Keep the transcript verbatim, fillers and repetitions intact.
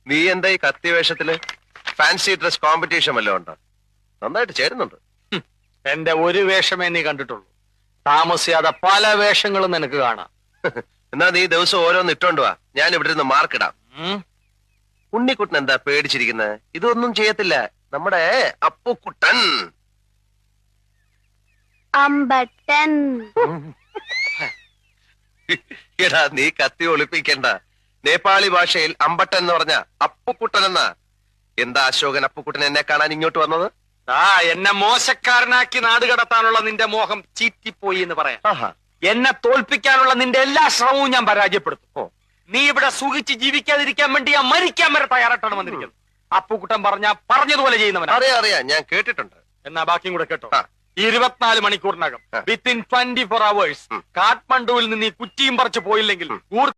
നീ എന്താ ഈ കത്തി വേഷത്തില്? ഫാൻസി ഡ്രസ് കോമ്പറ്റീഷൻ വല്ലതും ഉണ്ടോ? നന്നായിട്ട് ചേരുന്നുണ്ട്. എന്റെ ഒരു വേഷമേ നീ കണ്ടിട്ടുള്ളൂ. താമസിയാതെ പല വേഷങ്ങളും നിനക്ക് കാണാം. എന്നാ നീ ദിവസം ഓരോന്ന് ഇട്ടോണ്ട് വാ, ഞാൻ ഇവിടെ നിന്ന് മാർക്കിടാം. ഉണ്ണിക്കുട്ടൻ എന്താ പേടിച്ചിരിക്കുന്നത്? ഇതൊന്നും ചെയ്യത്തില്ല നമ്മുടെ അപ്പുക്കുട്ടൻ. അമ്പട്ടൻ. എടാ നീ കത്തി ഒളിപ്പിക്കണ്ട. നേപ്പാളി ഭാഷയിൽ അമ്പട്ടൻ എന്ന് പറഞ്ഞ അപ്പുക്കുട്ടൻ എന്നാ. എന്താ അശോകൻ അപ്പുക്കുട്ടൻ എന്നെ കാണാൻ ഇങ്ങോട്ട് വന്നത്? ആ എന്നെ മോശക്കാരനാക്കി നാട് കടത്താനുള്ള നിന്റെ മോഹം ചീറ്റിപ്പോയി എന്ന് പറയാം. എന്നെ തോൽപ്പിക്കാനുള്ള നിന്റെ എല്ലാ ശ്രമവും ഞാൻ പരാജയപ്പെടുത്തും. നീ ഇവിടെ സുഖിച്ച് ജീവിക്കാതിരിക്കാൻ വേണ്ടി ഞാൻ മരിക്കാൻ വരെ തയ്യാറായിട്ടാണ് വന്നിരിക്കുന്നത്. അപ്പുക്കുട്ടൻ പറഞ്ഞ പറഞ്ഞതുപോലെ ചെയ്യുന്നവൻ. അറിയാം അറിയാം, ഞാൻ കേട്ടിട്ടുണ്ട്. എന്നാ ബാക്കിയും കൂടെ കേട്ടോ. ഇരുപത്തിനാല് മണിക്കൂറിനകം വിത്തിൻ ട്വന്റി ഫോർ അവേഴ്സ് കാഠ്മണ്ഡുവിൽ നിന്ന് ഈ കുറ്റിയും പറിച്ചു പോയില്ലെങ്കിൽ